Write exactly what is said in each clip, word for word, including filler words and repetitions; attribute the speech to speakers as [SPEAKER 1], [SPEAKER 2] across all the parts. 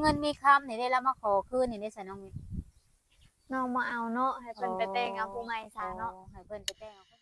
[SPEAKER 1] เงินมีคำนี่ได้แล้วมาขอคืนนี่ได้ซะน้องมิ
[SPEAKER 2] น้องมาเอาเนาะให้เพิ่นไปแต่งเอาผู้ใหม่ซะเนาะ
[SPEAKER 1] ให้เพิ่นไปแต่งเอา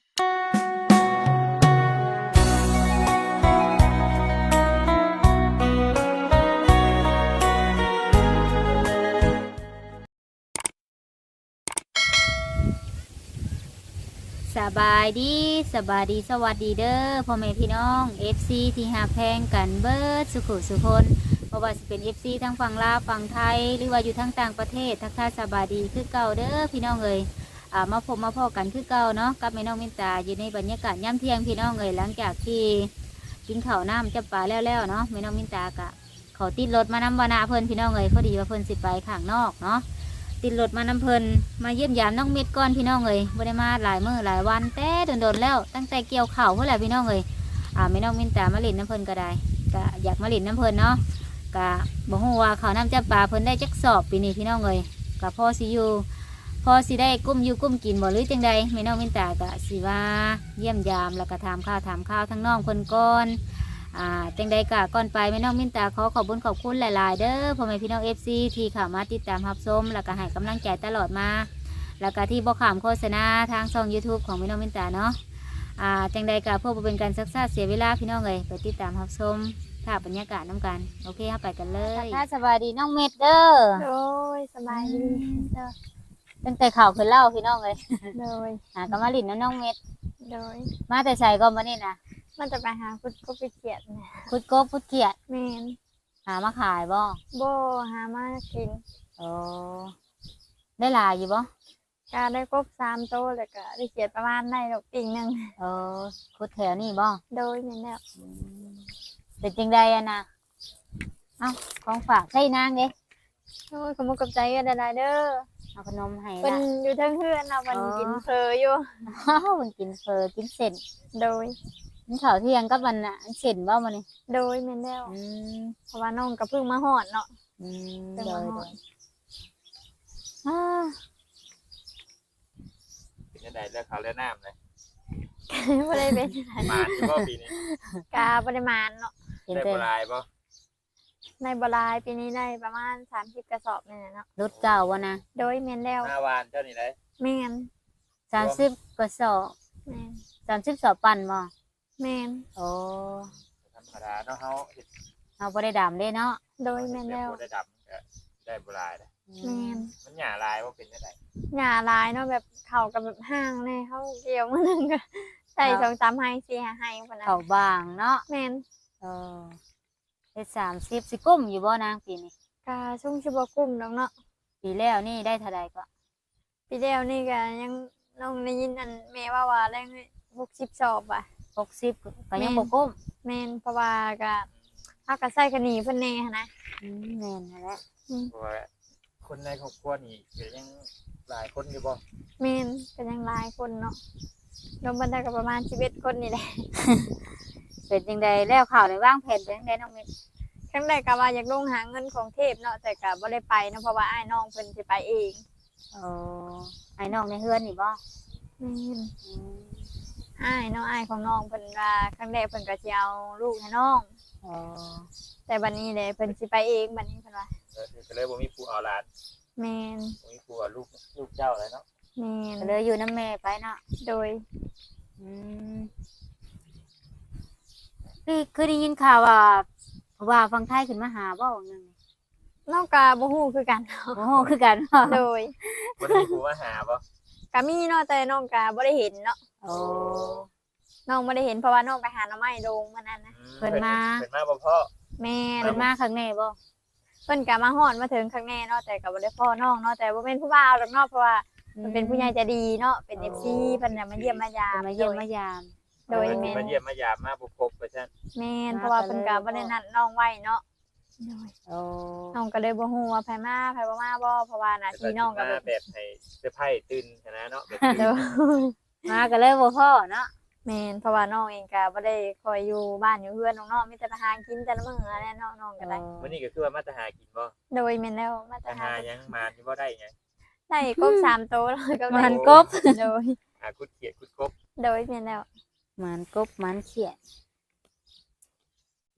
[SPEAKER 1] สบายดีสบายดีสวัสดีเด้อพ่อแม่พี่น้อง เอฟ ซี ที่หาแพงกันเบิดสุขุสุคนเพราะว่าสิเป็น เอฟ ซี ทั้งฝั่งลาวฝั่งไทยหรือว่าอยู่ทั้งต่างประเทศทักทายสบายดีคือเก่าเด้อพี่น้องเอ๋ยอ่ามาพบมาพ่อกันคือเก่าเนาะกับแม่น้องมินตาอยู่ในบรรยากาศย่ำเที่ยงพี่น้องเอ๋ยหลังจากที่กินข้าวน้ำจับปลาแล้วๆเนาะแม่น้องมินตากะเขาติดรถมานำวานาเพิ่นพี่น้องเอ๋ยพอดีว่าเพิ่นสิไปข้างนอกเนาะติดรถมานำเพิ่นมาเยี่ยมยามน้องเม็ดก่อนพี่น้องเอ๋ยบ่ได้มาหลายมื้อหลายวันแต่โดนๆแล้วตั้งแต่เกี่ยวข้าวเพิ่นแหละพี่น้องเอ๋ยอ่าแม่น้องมินตามาเล่นน้ำเพิ่นก็ได้ก็อยากมาเล่นน้ำเพิ่นเนาะก็บ่ฮู้ว่าข้าวน้ำจับปลาเพิ่นได้จักสอบปีนี้พี่น้องเอ๋ยก็พอสิอยู่พอสิได้กุ้มอยู่กุ้มกินบ่หรือจังใดแม่น้องมินตาก็สิว่าเยี่ยมยามแล้วก็ถามข้าวถามข้าวทั้งน้องเพิ่นก่อนอ่าจังใดกะก่อนไปแม่น้องมินตาขอขอบคุญขอบคุณหลายๆเด้อพ่อแม่พี่น้อง เอฟ ซี ที่เข้ามาติดตามรับชมแล้วก็ให้กำลังใจตลอดมาแล้วก็ที่บ่ขามโฆษณาทางช่อง YouTube ของแม่น้องมินตาเนาะอ่าจังใดกะเพื่อบ่เป็นการซักซ่าเสียเวลาพี่น้องเอ้ยไปติดตามรับชมภาพบรรยากาศน้ำกันโอเคครับไปกันเลยถ้าสบายดีน้องเม็ดเด้อ
[SPEAKER 2] โดยสบายดีเด้อ
[SPEAKER 1] ตั้งแต่ข่าวขึ้นเล่าพี่น้องเลย
[SPEAKER 2] โดย
[SPEAKER 1] หากำมาลินน้น้องเม็ด
[SPEAKER 2] โดย
[SPEAKER 1] มาแต่ใส่ก็มานี่นะ
[SPEAKER 2] มันจะไปหาพุดก็ไปเขียดนะ
[SPEAKER 1] พุดกบพุดเขียด
[SPEAKER 2] แมน
[SPEAKER 1] หามาขายบ่
[SPEAKER 2] โบหามากิน
[SPEAKER 1] โอ้ได้หลายอยู่บ่
[SPEAKER 2] กาได้กบสามโตวแล้วก็ได้เขียดประมาณได้ดอกติ่งหนึ่ง
[SPEAKER 1] เออพุดแถวนี่บ่
[SPEAKER 2] โดยแม่นแล้ว
[SPEAKER 1] อืมเป็นจริงใดอะนะเอ้าของฝากใส่นางเด้
[SPEAKER 2] โอ้ยขอบคุณกับใจกันหลายๆเด้อ
[SPEAKER 1] เอาขนมให้
[SPEAKER 2] เป็น
[SPEAKER 1] ละ
[SPEAKER 2] อยู่ทั้งเพื่อนเอามัน
[SPEAKER 1] อ๋อ
[SPEAKER 2] กินเพลออยู่
[SPEAKER 1] อ้าวมันกินเฟอกินเส้น
[SPEAKER 2] โดย
[SPEAKER 1] กินข้าวเที่ยงกับมันน่ะอันเส้นบ่มันนี่
[SPEAKER 2] โดยแม่นแล้ว
[SPEAKER 1] อืม
[SPEAKER 2] เพราะว่าน้องกับเพิ่งมาหอดเนาะ
[SPEAKER 1] อืม
[SPEAKER 2] เพิ่ง
[SPEAKER 1] โด
[SPEAKER 2] มาย ห
[SPEAKER 1] โด
[SPEAKER 2] อด
[SPEAKER 1] ยอ้า
[SPEAKER 3] เป็นยังไงเลือกเขาเลือกน้ำเลย
[SPEAKER 2] ไม่ได้เป็นอะไร
[SPEAKER 3] มาเฉพาะปีนี้
[SPEAKER 2] กาปริมาณเนาะ
[SPEAKER 1] เห็น
[SPEAKER 3] ได้
[SPEAKER 1] แต่
[SPEAKER 3] โบราณป่ะ
[SPEAKER 2] ในบรายปีนี้ได้ประมาณสามสิบกระสอบเนี่ยเนาะ
[SPEAKER 1] รถเก่าวะนะ
[SPEAKER 2] โดยแม่นแล้ว
[SPEAKER 3] หน้าวานเจ้านี่เลย
[SPEAKER 2] แม่น
[SPEAKER 1] สามสิบกระสอบ
[SPEAKER 2] แม่น
[SPEAKER 1] สามสิบสอบปั่นบ่
[SPEAKER 2] แม่น
[SPEAKER 1] โอ้
[SPEAKER 3] ธรรมดาเนาะเขาเฮ็ด
[SPEAKER 1] เอาบ่ได้ดำเด้เนาะ
[SPEAKER 2] โดยแม่นแล้ว
[SPEAKER 3] ได้ดำก็ได้โบราณเลย
[SPEAKER 2] แม่น
[SPEAKER 3] มันหย่าลายว่าเป็นยังไง
[SPEAKER 2] หญ้าลายเนาะแบบเข่ากับแบบห้างเนี่ยเขาเกี่ยวมือนึงก็ใส่สองสามไฮสี่ห้าไฮคนนั้น
[SPEAKER 1] เขาบางเนาะ
[SPEAKER 2] แม่น
[SPEAKER 1] เออได้สามสิบสิกุ้มอยู่บ่นางปีนี้
[SPEAKER 2] กาช่วงชิบกุ้มดอกเนาะ
[SPEAKER 1] ปีแล้วนี่ได้เท่าใดก็
[SPEAKER 2] ปีเดียวนี่ก็ยังน้องได้ยินอันแม่ว่าว่าได้หกสิบสอบอ่ะ
[SPEAKER 1] หกสิบก็ยังบ่กุ้ม
[SPEAKER 2] แม่นเพราะว่าก็ถ้าก็ใส่กันหนีเพิ่นแน่หั้นนะ
[SPEAKER 1] อืมแม่นนั่นแหละ
[SPEAKER 3] เพราะว่าคนในครอบครัวนี่ก็ยังหลายคนอยู่บ่
[SPEAKER 2] แม่นก็ยังหลายคนเนาะรวมบันไดก็ประมาณสิบเอ็ดคนนี่แหละ
[SPEAKER 1] เป็นจังใดแล้วข่าวในวางแผนเป็นจังใดน้องเม็ด
[SPEAKER 2] ครั้งแรกก็ว่าอยากลงหาเงินของเทพเนาะแต่ก็บ่ได้ไปเนาะเพราะว่าอ้ายน้องเพิ่นสิไปเอง
[SPEAKER 1] โอ้ไอ้น้องในเฮือนนี่บ่
[SPEAKER 2] แม่น
[SPEAKER 1] อืม
[SPEAKER 2] อ้ายเนาะอ้ายของน้องเพิ่นว่าครั้งแรกเพิ่นก็สิเอาลูกให้น้อง
[SPEAKER 1] โอ้
[SPEAKER 2] แต่บัดนี้เลยเพิ่นสิไปเองบัดนี้เพิ่นว่า
[SPEAKER 3] เออก็เลยบ่มีผู้เอาหลาน
[SPEAKER 2] แม่น
[SPEAKER 3] บ่มีผู้เอาลูกลูกเจ้าอะไรเนาะ
[SPEAKER 2] แม่น
[SPEAKER 1] ก็เลยอยู่น้ำแม่ไปเนาะ
[SPEAKER 2] โดย
[SPEAKER 1] อืมคือคือได้ยินข่าวว่าว่าฟังไทยขึ้นมาหาบ่ว่าหนึง
[SPEAKER 2] น้องก็บ่ฮู้คือกันเนาะ
[SPEAKER 1] โอ้โหคือกันเนาะ
[SPEAKER 2] โดย
[SPEAKER 3] บ่ได้มีผู้มาหาบ่
[SPEAKER 2] ก็มีเนาะแต่น้องก็บ่ได้เห็นเนาะ
[SPEAKER 1] โอ้
[SPEAKER 2] น้องบ่ได้เห็นเพราะว่าน้องไปหาหน่อไม้โดงมันนั่นนะ
[SPEAKER 3] อื
[SPEAKER 1] เพิ่นมา
[SPEAKER 3] เพิ่นมาบ่พ่อ
[SPEAKER 2] แม่น
[SPEAKER 1] เพิ่นมาข้างในบ่
[SPEAKER 2] เพิ่นก็มาฮอดมาถึงข้างแน่เนาะแต่ก็บ่ได้พ่อน้องเนาะแต่บ่เป็นผู้บ่าวดอกเนาะเพราะว่ามันเป็นผู้ใหญ่ใจดีเนาะเป็น เอฟ ซี เพิ่นน่ะมาเยี่ยมมายา
[SPEAKER 1] เพิ่
[SPEAKER 2] ม
[SPEAKER 1] นมาเยี่ยมมายาม
[SPEAKER 2] โดย
[SPEAKER 3] เพิ่น
[SPEAKER 2] แม่
[SPEAKER 3] สิมาเยี่ยมมายามมาบ่พบว่าซั่น
[SPEAKER 2] แม่นเพราะว่าเพิ่นก็บ่ได้นัดน้องไว้เนาะโดย
[SPEAKER 1] โอ้
[SPEAKER 2] น้องก็เลยบ่ฮู้ว่าไผมาไผบ่มาบ่เพราะว่าหน้าที่น้องก็
[SPEAKER 3] มา
[SPEAKER 2] แบบ
[SPEAKER 3] แบบให้เซอร์ไพรส์ตื่นชนะเนาะแบบ
[SPEAKER 2] โด
[SPEAKER 3] ตื่น
[SPEAKER 2] ย
[SPEAKER 1] มาก็เลยบ่พ่อเนาะ
[SPEAKER 2] แม่นเพราะว่าน้องเองก็บ่ได้คอยอยู่บ้านอยู่เฮือนน้องๆมีแต่ไปหากินแต่ละมื้ออะไรเนาะน้องก็ได้
[SPEAKER 3] มื้อนี้ก็คือว่ามาแต่หากินบ่
[SPEAKER 2] โดยแม่นแล้วมาแต่
[SPEAKER 3] แต่
[SPEAKER 2] หา
[SPEAKER 3] หายังมาที่บ่ได้หยัง
[SPEAKER 2] ได้กบสามโตวแล้วก็
[SPEAKER 1] หมันกบ
[SPEAKER 2] โดย
[SPEAKER 3] หาคุดเขียดคุดกบ
[SPEAKER 2] โดยแม่นแล้ว
[SPEAKER 1] หมันกบหมันเขียดเอ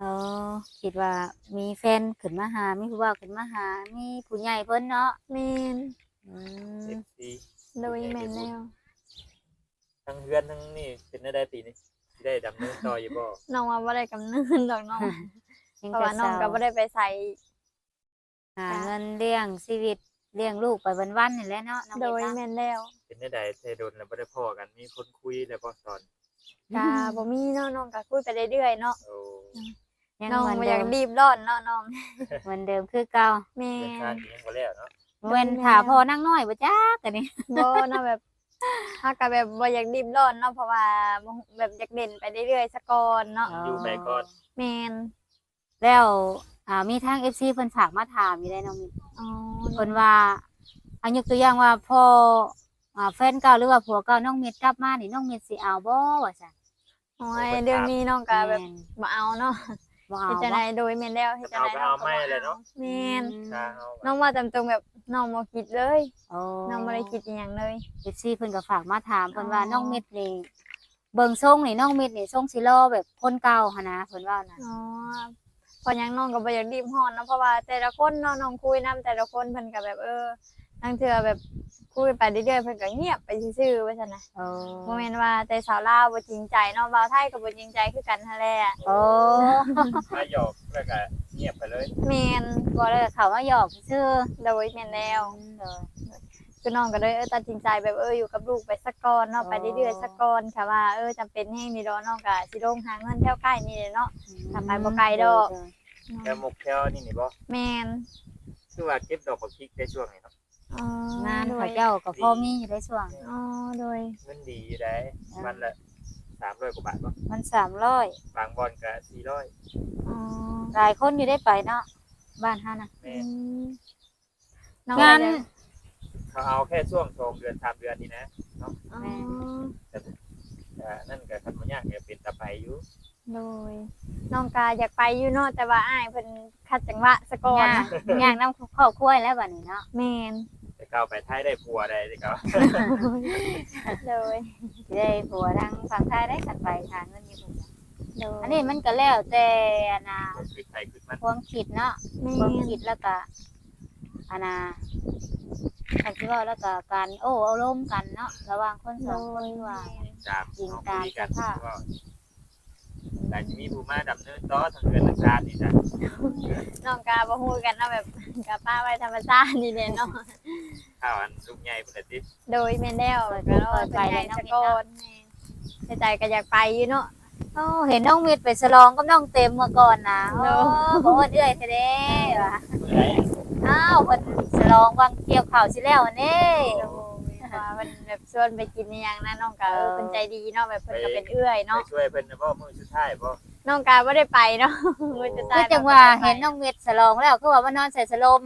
[SPEAKER 1] อ๋อคิดว่ามีแฟนขึ้นมาหามีผู้บ่าวขึ้นมาหามีผู้ใหญ่เพิ่นเนาะ
[SPEAKER 2] แม่น
[SPEAKER 1] อืม
[SPEAKER 3] เอฟซี
[SPEAKER 2] โดยแม่นแล้ว
[SPEAKER 3] ทั้งเฮือนทั้งนี่เป็นได้ปีนี้สิได้ดำเนินต่ออยู่บ่
[SPEAKER 2] น้องว่าบ่ได้กำเนิดดอกน้อง
[SPEAKER 1] ยัง
[SPEAKER 2] เพราะ
[SPEAKER 1] แต่
[SPEAKER 2] ว่าน้อง
[SPEAKER 1] สาว
[SPEAKER 2] ก็บ่ได้ไปใส่
[SPEAKER 1] หาเงินเลี้ยงชีวิตเลี้ยงลูกไปวันๆนี่แหละเนาะน้อง
[SPEAKER 2] โดย
[SPEAKER 1] เอ็ด
[SPEAKER 2] แม่นแล้ว
[SPEAKER 3] เป็นได้ใดเทโดนแล้วบ่ได้พ้อกันมีคนคุยแล้วบ่ตอน
[SPEAKER 2] กะบ่มีเนาะน้องก็คุยไปเรื่อยๆเนาะ
[SPEAKER 3] โอ้
[SPEAKER 1] ยัง
[SPEAKER 2] น้อง
[SPEAKER 1] เหมือน
[SPEAKER 2] บ่อ
[SPEAKER 1] เดิ
[SPEAKER 2] ยาก
[SPEAKER 1] ม
[SPEAKER 2] รีบร้อนเนาะน้อง
[SPEAKER 1] เหมือนเดิมคือเก่า
[SPEAKER 2] แม่
[SPEAKER 3] เดินทาง
[SPEAKER 2] น
[SPEAKER 3] ยังบ่แล้วเนาะ
[SPEAKER 1] เว้นถาพอนั่งน้อยบ่จักกันนี่
[SPEAKER 2] บ่เนาะแบบถ้าก็แบบบ่อยากรีบร้อนเนาะเพราะว่าบ่แบบอยากเด่นไปเรื่อยๆซะก่อนเนาะ
[SPEAKER 3] อยู่ไปก่อน
[SPEAKER 2] แม่น
[SPEAKER 1] แล้วอ่ามีทาง เอฟ ซี เพิ่นฝากมาถามอยู่ได้น้องมิตร
[SPEAKER 2] อ๋อ
[SPEAKER 1] เพิ่นว่าอันยกตัวอย่างว่าพ่ออ่าแฟนเก่าหรือว่าผัวเก่าน้องมิตรกลับมานี่น้องมิตรสิเอาบ่ว่าซั่น
[SPEAKER 2] โอ้ยเรื่องนี้น้องก็แบบ
[SPEAKER 1] ม่น
[SPEAKER 2] บ่เอาเนาะ
[SPEAKER 1] บ่เอา
[SPEAKER 2] เฮ็ดจัง
[SPEAKER 1] บ่
[SPEAKER 2] ไดโดยแม่นแล้วเฮ็ดจังไดน้องก็บ่เอาแม่น
[SPEAKER 3] ทางเอา
[SPEAKER 2] น้องว่าตามตรงแบบน้องบ่คิดเลย
[SPEAKER 1] โอ้
[SPEAKER 2] น้องบ่ได้คิดอีหยังเลย
[SPEAKER 1] เอฟซีเพิ่นก็ฝากมาถามเพิ่นว่า
[SPEAKER 2] อ๋อ
[SPEAKER 1] น้องมิตรนี่เบิ่งทรงนี่น้องมิตรนี่ทรงสิรอแบบคนเก่าหั่นนะเพิ่นว่านะ
[SPEAKER 2] อ๋อเพราะหยังน้องก็บ่อยากรีบฮ้อนเนาะเพราะว่าแต่ละคนเนาะน้องคุยนํแต่ละคนเพิ่นก็แบบเออทั้งเทื่อแบบคุยไปเรื่อยๆเพิ่นก็เงียบไปซื่อๆว่าซั่นน่ะ
[SPEAKER 1] โอ้
[SPEAKER 2] บ่แม่นว่าแต่สาวลาวบ่จริงใจเนาะบ่าวไทยก็บ่จริงใจคือกันหั่นแหละ
[SPEAKER 1] โอ้
[SPEAKER 3] มาหยอกแล้วก็เงียบไปเลย
[SPEAKER 2] แม่น
[SPEAKER 1] บ่ได้เขามาหยอกซื่อ
[SPEAKER 2] โดยแม่นแล้ว
[SPEAKER 1] เด้อ
[SPEAKER 2] คือน้องก็เลยเออตัดสินใจแบบเอออยู่กับลูกไปสักก่อนเนาะ
[SPEAKER 1] อ๋อ
[SPEAKER 2] ไปเรื่อยๆสักก่อนค่ะว่าเออจำเป็นแฮงนี่ดอกน้องก็สิลงหาเงินแถวใกล้นี่แหละเนาะ ถ้าไปบ่ไกลดอก
[SPEAKER 3] แค่มุกแค่นี่นี่บ่
[SPEAKER 2] แม่น
[SPEAKER 3] คือว่าเก็บดอกบักพริกได้ช่วงนี้เนาะ
[SPEAKER 2] อ๋อง
[SPEAKER 1] าน
[SPEAKER 2] โด
[SPEAKER 1] เขา
[SPEAKER 2] ย
[SPEAKER 1] เจ้าก็พอมีอยู่ได้ช่วง
[SPEAKER 2] อ๋อโดย
[SPEAKER 3] เงินดีอยู่ได้วันละสามร้อยกว่าบาทบ่
[SPEAKER 1] มันสามร้อย
[SPEAKER 3] บางบอนก็สี่ร้อย
[SPEAKER 2] อ๋อ
[SPEAKER 1] หลายคนอยู่ได้ไปเนาะบ้านเฮานะ
[SPEAKER 3] แม่
[SPEAKER 2] อื
[SPEAKER 3] น
[SPEAKER 2] มน้อง
[SPEAKER 1] งาน
[SPEAKER 2] ก็จะ
[SPEAKER 3] เขาเอาแค่ช่วงสองเดือนสามเดือนนี่นะ
[SPEAKER 2] อ๋อ
[SPEAKER 3] แต่นั่นก็คันบ่ยากก็เป็นตาไปอยู่
[SPEAKER 2] โดยน้องกาอยากไปอยู่เนาะแต่ว่าอ้ายเพิ่นคัดจังหวะซะก่อน
[SPEAKER 1] ย่าง
[SPEAKER 2] นะ
[SPEAKER 1] ย่างน้ำครอบครัวแล้วบัดนี้เนาะ
[SPEAKER 2] แม่น
[SPEAKER 3] แต่เก่าไปไทยได้ผัวได้แต่เก่า
[SPEAKER 2] โดย
[SPEAKER 1] สิได้ผัวทางฝั่งไทยได้กันไปหาเงินอยู่พุ่นน่ะ
[SPEAKER 2] โดย
[SPEAKER 1] อันนี้มันก็แล้วแต่อันน่ะ
[SPEAKER 3] คือไทยคือมัน
[SPEAKER 1] ความคิดเนาะ
[SPEAKER 2] แม่
[SPEAKER 1] ความ
[SPEAKER 2] น
[SPEAKER 1] คิดแล้วก็อันน่ะอันที่ว่าแล้วก็การโอ้อารมณ์กันเนาะระหว่างคนสองคนว่า
[SPEAKER 3] จาก
[SPEAKER 1] จริง
[SPEAKER 3] เอา
[SPEAKER 1] ตาม
[SPEAKER 3] คุยกัน
[SPEAKER 1] สภาพ
[SPEAKER 3] ว่าแต่จะมีผู้มาดำเนินต่อทางเงินทางการนี่จ้ะ
[SPEAKER 2] น้องกาบ่ฮู้กันเนาะแบบกับป้าไว้ธรรมชาตินี่แหละเนาะ
[SPEAKER 3] ข้าวอันลูกใหญ่เพิ่นน่ะติ
[SPEAKER 2] โดยแม่นแล้วก็รอไปใหญ่ซะก่อนแม่นใจก็อยากไปอยู่เนาะ
[SPEAKER 1] โอ้เห็นน้องมิดไปฉลองกับน้องเต็มเมื่อก่อนนะโอ้
[SPEAKER 2] เนาะ
[SPEAKER 1] บ่ว่าเอื้อยแท้ๆว่ะ
[SPEAKER 3] เมื่อไหร่
[SPEAKER 1] อ้าวเพิ่นฉลองวังเกี่ยวข้าวสิแล้วอันนี้
[SPEAKER 2] โดยว่ามันแบบชวนไปกินอหยังนะน้องกาเออเพิ่นใจดีเนาะแบบเพิ่นก็เป็นเอื้อย
[SPEAKER 3] ไป
[SPEAKER 2] เนาะ
[SPEAKER 3] ช่วยเพิ่นนะบ่มื้อสุดท้ายบ่
[SPEAKER 2] น้องกาบ่ได้ไปเนาะมื้อจะ
[SPEAKER 1] คื
[SPEAKER 2] ตา
[SPEAKER 1] อย จังว่าเห็นน้องมิดฉลองแล้วคือว่ามานอนใส่สโลมบ่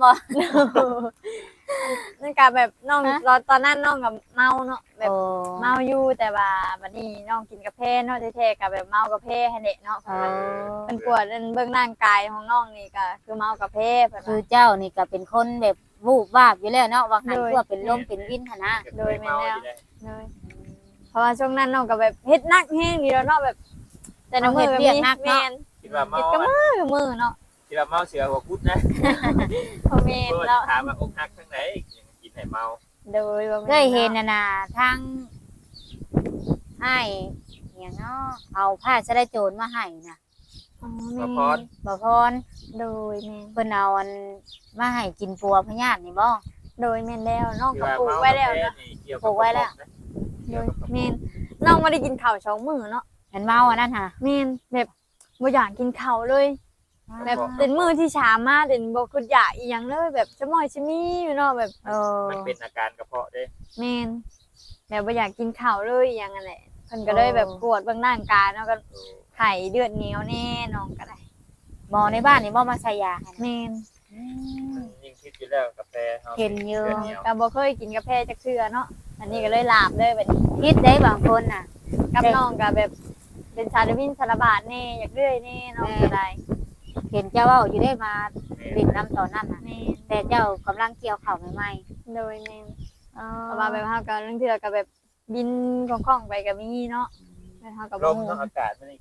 [SPEAKER 2] น้องกาแบบน้อง
[SPEAKER 1] ฮะ
[SPEAKER 2] ตอนตอนนั้นน้องก็เมาเนาะแบบ
[SPEAKER 1] โอ้
[SPEAKER 2] เมาอยู่แต่ว่าบัดนี้น้องกินกาแฟเนาะแท้ๆก็แบบเมากาแฟให้เด็กเนาะ
[SPEAKER 1] เออ
[SPEAKER 2] เป็นปวดเบิ่งร่างกายของน้องนี่ก็คือเมากาแฟเพิ่น
[SPEAKER 1] คือ
[SPEAKER 2] ว่า
[SPEAKER 1] เจ้านี่ก็เป็นคนแบบวูบวาบอยู่แล้วเนาะว่าหัน
[SPEAKER 2] โดย
[SPEAKER 1] ตัวเป็นลมเป็นวินหั่นนะ
[SPEAKER 2] โดยแม่นแล้ว
[SPEAKER 3] เก็บไว้เมาอยู่ได้
[SPEAKER 2] เลยเพราะว่าช่วงนั้นน้องก็แบบเฮ็ดหนักแฮงนี่แล้วเนาะแบบ แต่น้ำมือก็มีแม่น
[SPEAKER 3] คิดว่าเมา
[SPEAKER 2] เฮ็ดกับมือกับมือเนาะ
[SPEAKER 3] คิดว่าเมาเสือหัวกุดนะ
[SPEAKER 2] พอแม่น
[SPEAKER 3] เพิ่น
[SPEAKER 2] แล้ว
[SPEAKER 3] ถามว่าอกหักทางไหนกินให้เมา
[SPEAKER 2] โดยว่า
[SPEAKER 1] เคยเห็นน่ะนะทางให้อหย่างเนาะเอาผ้าสะไดโจรมาให้น่ะ
[SPEAKER 2] อ๋อ
[SPEAKER 3] มา
[SPEAKER 2] แม่
[SPEAKER 3] พร
[SPEAKER 1] บ่พร
[SPEAKER 2] โดยแม่น
[SPEAKER 1] เพิ่นเอาอันมาให้กินปัวพญาตินี่บ่
[SPEAKER 2] โดยแม่นแล้วน้อง
[SPEAKER 3] ที่
[SPEAKER 2] ก็
[SPEAKER 3] ว่า
[SPEAKER 2] ปลูก
[SPEAKER 3] เมา
[SPEAKER 2] ไว้แล้วเนาะ
[SPEAKER 3] นี่เกี่ยว
[SPEAKER 1] ปลูกไว้แล้ว
[SPEAKER 2] โดยแม่นน้องบ่ได้กินข้าวสองมื้อเนาะ
[SPEAKER 1] เห็นเมาอันนั้นค่ะ
[SPEAKER 2] แม่นแบบบ่อยากกินข้าวเลย แบบเป็นมื้อที่ช้ามากเป็นบ่คืออยากอีหยังเลยแบบจะม้อยจะมีอยู่เนาะแบบ
[SPEAKER 1] เออ
[SPEAKER 3] มันเป็นอาการกระเพาะเด้
[SPEAKER 2] แม่นแบบบ่อยากกินข้าวเลยอหยังนั่นแหละเพิ่นก็เลยแบบปวดเบื้องร่างกายเนาะก็ไข้เลือดเหนียวแน่น้องก็ได้
[SPEAKER 1] หมอในบ้านนี่บ่มาใส่ยาให้นะ
[SPEAKER 2] แม่น
[SPEAKER 1] อืม
[SPEAKER 3] ยิ่งคิดอยู่แล้วกาแฟฮา
[SPEAKER 1] เห็นอยู่
[SPEAKER 3] ลืดหนีว
[SPEAKER 2] ก็บ่เคยกินกาแฟจักเทื่อเนาะอันนี้ก็เลยลาบเลยบัดนี้
[SPEAKER 1] คิดได้บางคนน่ะ
[SPEAKER 2] กับน้องก็แบบเป็นชาดวินสารบาดแน่อยากเรื่อยแน่น้องก็ได้
[SPEAKER 1] เห็นเจ้าเว่าอยู่ได้มาดินน้ำตอนนั้นน่ะ
[SPEAKER 2] แม่น
[SPEAKER 1] แต่เจ้ากำลังเกี่ยวข้าวใหม่
[SPEAKER 2] โดยแม่น
[SPEAKER 1] ๆอ๋อ
[SPEAKER 2] เพราะว่าแบบเฮาก็เรื่องเทื่อก็แบบบินคล่องๆไปก็มีเนาะแล้วเฮาก็
[SPEAKER 3] ล
[SPEAKER 2] บ่
[SPEAKER 3] ม
[SPEAKER 2] ฮู้
[SPEAKER 3] เนาะอากาศมันนี่ก็ได้
[SPEAKER 2] แ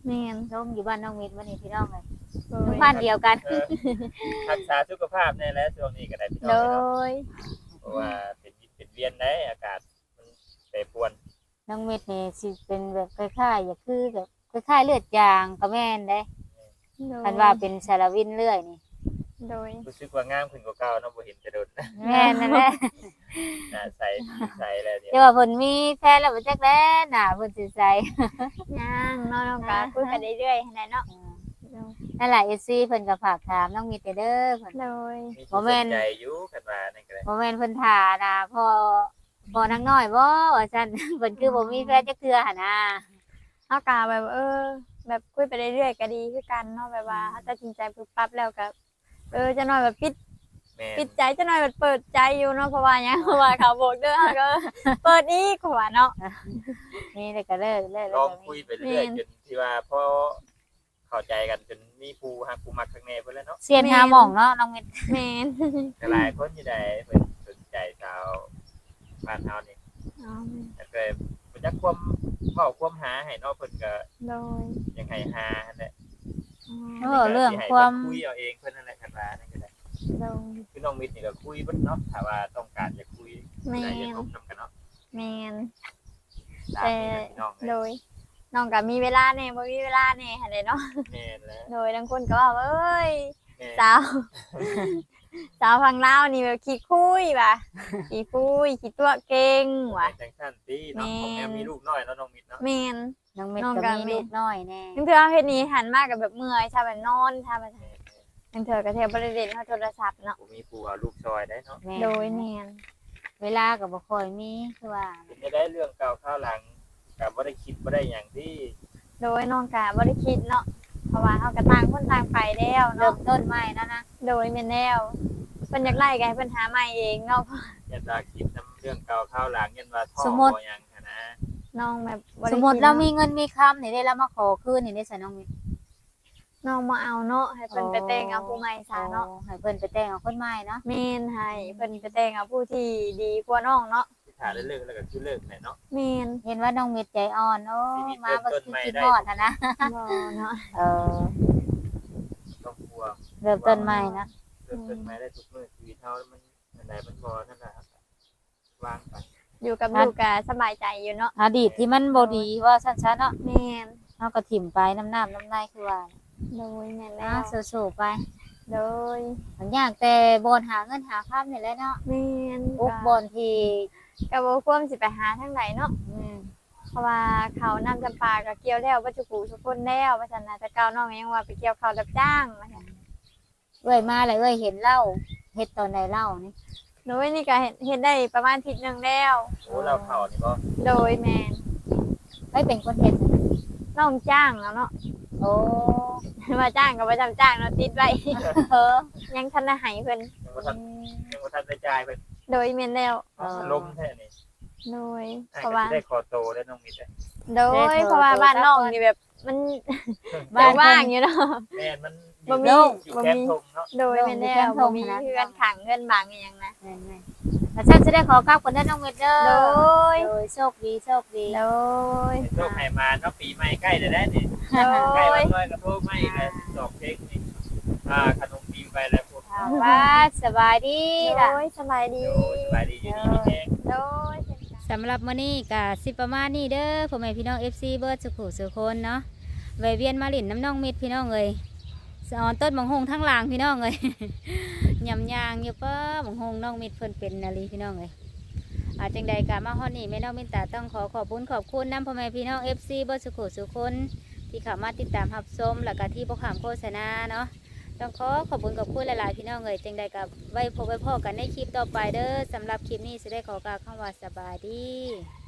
[SPEAKER 2] แม่น
[SPEAKER 1] ล้มอยู่บ้านน้องมิตรวันนี้พี่น้องเลย
[SPEAKER 2] โด
[SPEAKER 1] หมู่
[SPEAKER 2] ย
[SPEAKER 1] บ้านเดียวกัน
[SPEAKER 3] เออรักษาสุขภาพแน่แล้วช่วงนี้ก็ได้พี่น้
[SPEAKER 2] โด
[SPEAKER 3] องเนาะ
[SPEAKER 2] ย
[SPEAKER 3] เพราะว่าเป็นวิตเป็นเวียนได้อากาศมันแปรปรวน
[SPEAKER 1] น้องมิตรนี่สิเป็นแบบคล้ายๆอย่าคือแบบคล้ายๆเลือดจางก็แม่นได้
[SPEAKER 2] โดย
[SPEAKER 1] คันว่าเป็นสารวินเรื่อยนี่
[SPEAKER 2] โดย
[SPEAKER 3] รู้สึกว่างามขึ้นกว่าเก่าเนาะบ่เห็นจะโดน
[SPEAKER 1] แม่นนั่นแหละ
[SPEAKER 3] หน้าใสผิวใสแล้วเนี่ย
[SPEAKER 1] แต่ว่าเพิ่นมีแฟนแล้วบ่จักแล้น่ะเพิ่นสิใส่
[SPEAKER 2] ย่างเนาะน้องก็คุยกันเรื่อยๆหั่นแหละเนาะ
[SPEAKER 1] นั่นแหละ เอฟ ซี เพิ่นก็ฝากถามน้องมิตรเด้อเพิ่น
[SPEAKER 2] โดย
[SPEAKER 3] มี
[SPEAKER 1] บ่
[SPEAKER 3] ผู้
[SPEAKER 1] แม่
[SPEAKER 3] ส
[SPEAKER 1] น
[SPEAKER 3] นใจอยู่กันว่านั่นก็ได้
[SPEAKER 1] บ่แม่นเพิ่นท่าน่ะพอพอนางน้อยบ่ว่าซั่น เพิ่นคือบ่มีแฟนจักเทื่อหั่นน่ะ
[SPEAKER 2] เฮาก็แบบเออ แบบคุยไปเรื่อยๆก็ดีคือกันเนาะแบบว่าถ้าตัดสินใจปุ๊บปั๊บแล้วก็เออจะหน่อยแบบปิด
[SPEAKER 3] แม่น
[SPEAKER 2] ปิดใจจะหน่อยแบบเปิดใจอยู่เนาะเพราะว่าหยังเพราะว่าเขาบอกเด้อก็เปิดอีกว่าเนาะ
[SPEAKER 1] นี่เลยก็เลิกเลิก
[SPEAKER 3] ล
[SPEAKER 1] แล้ว
[SPEAKER 3] อง
[SPEAKER 1] ก็
[SPEAKER 3] คุย
[SPEAKER 1] มี
[SPEAKER 3] ไปเรื่อย
[SPEAKER 2] แม่น
[SPEAKER 3] จนที่ว่าพอเข้าใจกันจนมีผู้ฮักผู้มักข้างในเพิ่นแล้วเนาะ
[SPEAKER 1] เสียนหาหม่องเนาะน้องมิตร
[SPEAKER 2] แม่น
[SPEAKER 3] ก็หลายคนอยู่ได้เพิ่นสนใจสาวบ้านเฮานี่
[SPEAKER 2] อ๋อ
[SPEAKER 3] แล้วก็เพิ่นจักความเว้าความหาให้เนาะเพิ่นก็
[SPEAKER 2] โดย
[SPEAKER 3] ยังให้หาหั่นแหละ
[SPEAKER 2] อ๋อ
[SPEAKER 1] เออเรื่องความ
[SPEAKER 3] คุยเอาเองเพิ่นนั่นแหละกันว่านั่นก็ได้
[SPEAKER 2] โดย
[SPEAKER 3] คือน้องมิตรนี่ก็คุยเบิดเนาะถ้าว่าต้องการจะคุย
[SPEAKER 2] แม่
[SPEAKER 3] ได้
[SPEAKER 2] น
[SPEAKER 3] จะพบนำกันเนาะ
[SPEAKER 2] แม่น
[SPEAKER 3] ตามนี้นะพี่น้อง
[SPEAKER 2] โดยน้องก็มีเวลาแน่บ่มีเวลาแน่หั่นแหละเนาะ
[SPEAKER 3] แม่นแล้ว
[SPEAKER 2] โดยบางคนก็ว่าเอ้ย
[SPEAKER 3] แม่น
[SPEAKER 2] สาว สาวฟังเล่าวนี่แบบขี้คุยว่ะ ขี้คุยขี้ตัวเก่งว่ะ
[SPEAKER 3] จังซั่นติเนาะ
[SPEAKER 2] แม่น
[SPEAKER 3] ของแม่มีลูกน้อยเนาะน้องมิตรเนาะ
[SPEAKER 2] แมน
[SPEAKER 1] น้องมิตร
[SPEAKER 2] น้อง
[SPEAKER 1] ก็
[SPEAKER 2] ก็
[SPEAKER 1] มี
[SPEAKER 2] มี
[SPEAKER 1] ลูกน้อยแน่
[SPEAKER 2] นั่นคือเอาเฮ็ดนี้หันมากกับแบบเมื่อยชาแบบนอนชาแบบ
[SPEAKER 3] แม่น
[SPEAKER 2] นั่นเธอก็เทบริเวณเขาโทรศัพท์เนาะ
[SPEAKER 3] ๆบ่มีผู้เอาลูกซอยได้เนาะ
[SPEAKER 1] แม่
[SPEAKER 2] โดยแมน
[SPEAKER 1] เวลาก็บ่ค่อยมีคือว่า
[SPEAKER 3] เป็นจะได้เรื่องเก่าข้าวหลังก็บ่ได้คิดบ่ได้หยังที่
[SPEAKER 2] โดยน้องกะบ่ได้คิดเนาะเพราะว่าเขาก็ต่างคนต่างไปแล้ว
[SPEAKER 1] เริ่
[SPEAKER 2] เนาะ
[SPEAKER 1] มต้นใหม่แล้วนะ
[SPEAKER 2] โดยแม่นแล้วเพิ่นอยากไล่ก็ให้เพิ่นหาใหม่เองเนาะ
[SPEAKER 3] ยันว่าคิดนํเรื่องเก่าข้าวหลังยันว่าท่อ
[SPEAKER 1] สมมุติ
[SPEAKER 3] บ่หยังหั้นนะ
[SPEAKER 2] น้องแบบบ่
[SPEAKER 1] ส
[SPEAKER 2] ได้
[SPEAKER 1] มมุติ
[SPEAKER 2] คิด
[SPEAKER 1] เรา
[SPEAKER 2] นะ
[SPEAKER 1] มีเงินมีคำนี่ได้แล้วมาขอคืนนี่ได้ซะน้องมิตร
[SPEAKER 2] น้องบ่เอาเนาะให้เพิ่นไปแต่งเอาผู้ใหม่ซะเนาะ
[SPEAKER 1] โอ้ให้เพิ่นไปแต่งเอาคนใหม่เนาะ
[SPEAKER 2] แม่นให้เพิ่นไปแต่งเอาผู้ที่ดีกว่าน้องเนาะ
[SPEAKER 3] ที่ถ้าได้เลิกแล้วก็คือเลิกแหละเนาะ
[SPEAKER 2] แม่น
[SPEAKER 1] เห็นว่าน้องมิตรใจอ่อนโอ้
[SPEAKER 3] ชีวิต
[SPEAKER 1] มาบ่
[SPEAKER 3] เริ่มต้น
[SPEAKER 1] คือ
[SPEAKER 3] ใหม่
[SPEAKER 1] คิด
[SPEAKER 3] ได้
[SPEAKER 1] ฮอดหั่นนะ
[SPEAKER 2] บ่เนาะ
[SPEAKER 1] เออ
[SPEAKER 3] ต้องกลัว
[SPEAKER 1] เริ่มต้นใหม่นะ
[SPEAKER 3] เริ่มต้นใหม่ได้ทุกมื้อชีวิตเฮามันอันใดมันบ่นั่นน่ะวางไป
[SPEAKER 2] อยู่กับลูกก็สบายใจอยู่เนาะ
[SPEAKER 1] อดีตที่มันบ่ดีว่าซั่นๆเนาะ
[SPEAKER 2] แม่น
[SPEAKER 1] เฮาก็ถิ่มไปน้ำน้ำน้ำในคือว่า
[SPEAKER 2] โดยแม่น
[SPEAKER 1] นะ
[SPEAKER 2] แล้ว
[SPEAKER 1] สู้ๆไป
[SPEAKER 2] โดย
[SPEAKER 1] มันยากแต่บอนหาเงินหาค่ำนี่แหละเนาะ
[SPEAKER 2] แม่น
[SPEAKER 1] อุกบอนที่
[SPEAKER 2] ก็บ่ควรสิไปหาทางไหนเนาะ
[SPEAKER 1] อืม
[SPEAKER 2] เพราะว่าเขาวนำจำปาก็เกี่ยวแล้วบ่จุกูทุกคนแล้วว่าซั่นน่ะแต่เก่าน้องยังว่าไปเกี่ยวข้าวรับจ้างว่าซั่น
[SPEAKER 1] เอ้ยมาเลยเอ้ยเห็นเหล้าเฮ็ดตอนใดเหล้านี่
[SPEAKER 2] โดยนี่ก็เฮ็ดเฮ็ดได้ประมาณอาทิตย์หนึงแล้ว
[SPEAKER 3] โอ้เราเข้านี่บ่
[SPEAKER 2] โดยแม่น
[SPEAKER 1] เอ้ยเป็นคนเฮ็ดน่ะ
[SPEAKER 2] น้องจ้างแล้วเนาะ
[SPEAKER 1] โอ้
[SPEAKER 2] มาจ้างก็บ่จำจ้างเนาะติดไว้
[SPEAKER 1] เออ
[SPEAKER 2] ยังทันได้ให้เพิ่น
[SPEAKER 3] ยังบ่ทันยังบ่ทันได้จ่ายเพิ่น
[SPEAKER 2] โดยแม่นแล้ว
[SPEAKER 1] เออ
[SPEAKER 3] ลมแท้นี่
[SPEAKER 2] โดย
[SPEAKER 3] อ้าย
[SPEAKER 2] เพราะ
[SPEAKER 3] ก็
[SPEAKER 2] ว่า
[SPEAKER 3] สิได้ขอโตได้น้องมิตร
[SPEAKER 2] โดยเพราะว่าบ้านน้องนี่แบบมัน
[SPEAKER 1] บ้าน
[SPEAKER 2] ว่างๆอยู่เนาะ
[SPEAKER 3] แม่นมัน
[SPEAKER 2] บ่มี
[SPEAKER 3] อยู่
[SPEAKER 2] บ่
[SPEAKER 3] แคม
[SPEAKER 2] มี
[SPEAKER 3] ป์ทงเนาะ
[SPEAKER 2] โดยแม่นแล้วบ่มีเพื่อนขังเพื่อนบังอหย่างนะ
[SPEAKER 1] แม่นๆแล้วฉันจะได้ขอกลับคนเด้อน้องเวดเด้อ
[SPEAKER 2] โดย
[SPEAKER 1] โดยโชคดีโชคดี
[SPEAKER 2] โดย
[SPEAKER 3] โชคให้มาเนาะปีใหม่ใกล้แล้วได้นี่
[SPEAKER 2] โด
[SPEAKER 3] ใกล้
[SPEAKER 2] ย
[SPEAKER 3] วันลอยกระทงใหม่แล้วดอกเค้กนี่อ่าขนมปีไปแล้วพวก
[SPEAKER 1] เอาว่าสบายดี
[SPEAKER 2] โด
[SPEAKER 1] ล่ะ
[SPEAKER 2] ยสบายดี
[SPEAKER 3] โอ้ยสบายดีอยู่ดีมีแฮง
[SPEAKER 2] โดย
[SPEAKER 1] สำหรับมื้อนี้ก็สิประมาณนี้เด้อพ่อแม่พี่น้อง เอฟ ซี เบิร์ดสุขุสุคนเนาะแวะเวียนมาหลินน้ำน้องมิตรพี่น้องเอ้ยสอนต้นบังฮงทั้งหลางพี่น้องเอ้ย ยำยางอยู่เป้อบังฮงน้องมิตรเพิ่นเป็นนาลีพี่น้องเอ้ยอาจังใดกะมาฮอดนี่แม่น้องมินตาต้องขอขอบคุณขอบคุณน้ำพ่อแม่พี่น้อง เอฟ ซี เบิร์ดสุขุสุคนที่เข้ามาติดตามรับชมแล้วก็ที่บ่ขามโฆษณาเนาะต้องขอขอบคุณขอบคุณหลายๆพี่น้องเอ้ยจังใดกับไว้พบไว้พอกันในคลิปต่อไปเด้อสำหรับคลิปนี้สิได้ขอกล่าวคำว่าสบายดี